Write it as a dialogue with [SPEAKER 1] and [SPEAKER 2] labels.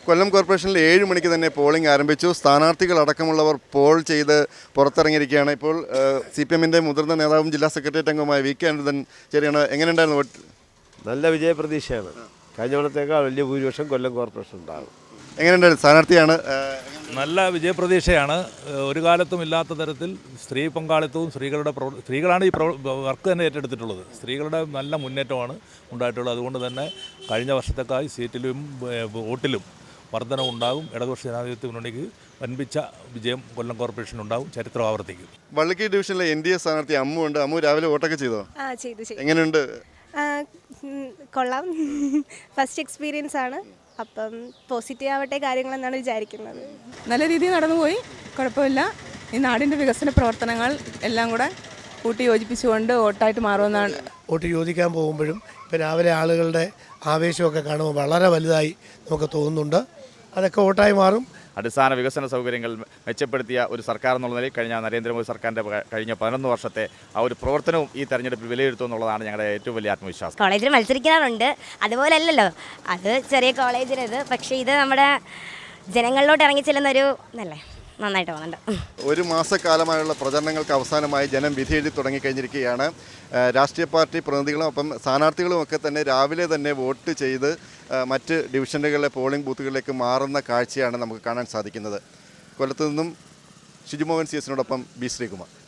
[SPEAKER 1] കൊല്ലം കോർപ്പറേഷനിൽ 7 മണിക്ക് തന്നെ പോളിംഗ് ആരംഭിച്ചു. സ്ഥാനാർത്ഥികളടക്കമുള്ളവർ പോൾ ചെയ്ത് പുറത്തിറങ്ങിയിരിക്കുകയാണ്. ഇപ്പോൾ CPM-ൻ്റെ മുതിർന്ന നേതാവും ജില്ലാ സെക്രട്ടേറിയറ്റ് അംഗവുമായ VK അനിരുദ്ധൻ ചേരുകയാണ്. എങ്ങനെയുണ്ടായിരുന്നു വോട്ട്?
[SPEAKER 2] നല്ല വിജയപ്രതീക്ഷയാണ്. കഴിഞ്ഞ കൊല്ലത്തേക്കാൾ വലിയ ഭൂരിപക്ഷം കൊല്ലം കോർപ്പറേഷൻ ഉണ്ടാകും.
[SPEAKER 1] എങ്ങനെയുണ്ടായിരുന്നു? സ്ഥാനാർത്ഥിയാണ്.
[SPEAKER 3] നല്ല വിജയപ്രതീക്ഷയാണ്. ഒരു കാലത്തും ഇല്ലാത്ത തരത്തിൽ സ്ത്രീ പങ്കാളിത്തവും സ്ത്രീകളാണ് ഈ വർക്ക് തന്നെ ഏറ്റെടുത്തിട്ടുള്ളത്. സ്ത്രീകളുടെ നല്ല മുന്നേറ്റമാണ് ഉണ്ടായിട്ടുള്ളത്. അതുകൊണ്ട് തന്നെ കഴിഞ്ഞ വർഷത്തേക്കായി സീറ്റിലും വോട്ടിലും വർധനവുണ്ടാകും. ഇടതുപക്ഷ ജനാധിപത്യ മുന്നണിക്ക് വൻപിച്ച വിജയം കൊല്ലം കോർപ്പറേഷനുണ്ടാകും. ചരിത്രം ആവർത്തിക്കും.
[SPEAKER 1] വള്ളിക്കി ഡിവിഷനിലെ NDA സ്ഥാനാർത്ഥി അമ്മു ഉണ്ട്. അമ്മു രാവിലെ വോട്ടൊക്കെ ചെയ്തോ?
[SPEAKER 4] ചെയ്തു.
[SPEAKER 1] എങ്ങനെയുണ്ട്?
[SPEAKER 4] കൊള്ളാം. ഫസ്റ്റ് എക്സ്പീരിയൻസ് ആണ്. അപ്പം പോസിറ്റീവ് ആവട്ടെ കാര്യങ്ങളെന്നാണ് വിചാരിക്കുന്നത്.
[SPEAKER 5] നല്ല രീതിയിൽ നടന്നുപോയി, കുഴപ്പമില്ല. ഈ നാടിൻ്റെ വികസന പ്രവർത്തനങ്ങൾ എല്ലാം കൂടെ കൂട്ടി യോജിപ്പിച്ചുകൊണ്ട് വോട്ടായിട്ട് മാറുമെന്നാണ്.
[SPEAKER 6] വോട്ട് ചോദിക്കാൻ പോകുമ്പോഴും ഇപ്പോൾ രാവിലെ ആളുകളുടെ ആവേശമൊക്കെ കാണുമ്പോൾ വളരെ വലുതായി നമുക്ക് തോന്നുന്നുണ്ട്. അതൊക്കെ വോട്ടായി മാറും.
[SPEAKER 7] അടിസ്ഥാന വികസന സൗകര്യങ്ങൾ മെച്ചപ്പെടുത്തിയ ഒരു സർക്കാർ എന്നുള്ള നിലയിൽ കഴിഞ്ഞ നരേന്ദ്രമോദി സർക്കാരിൻ്റെ കഴിഞ്ഞ 11 വർഷത്തെ ആ ഒരു പ്രവർത്തനവും ഈ തെരഞ്ഞെടുപ്പിൽ വിലയിരുത്തും എന്നുള്ളതാണ് ഞങ്ങളുടെ ഏറ്റവും വലിയ ആത്മവിശ്വാസം.
[SPEAKER 8] കോളേജിൽ മത്സരിക്കാറുണ്ട്, അതുപോലെ അല്ലല്ലോ, അത് ചെറിയ കോളേജിലത്. പക്ഷേ ഇത് നമ്മുടെ ജനങ്ങളിലോട്ട് ഇറങ്ങി ചെല്ലുന്നൊരു നന്നായിട്ട് പോകുന്നുണ്ട്.
[SPEAKER 1] ഒരു മാസക്കാലമായുള്ള പ്രചരണങ്ങൾക്ക് അവസാനമായി ജനം വിധിയെഴുതി തുടങ്ങിക്കഴിഞ്ഞിരിക്കുകയാണ്. രാഷ്ട്രീയ പാർട്ടി പ്രതിനിധികളും ഒപ്പം സ്ഥാനാർത്ഥികളും ഒക്കെ തന്നെ രാവിലെ തന്നെ വോട്ട് ചെയ്ത് മറ്റ് ഡിവിഷനുകളിലെ പോളിംഗ് ബൂത്തുകളിലേക്ക് മാറുന്ന കാഴ്ചയാണ് നമുക്ക് കാണാൻ സാധിക്കുന്നത്. കൊല്ലത്തു നിന്നും ഷിജുമോഹൻ CS-നോടൊപ്പം B. ശ്രീകുമാർ.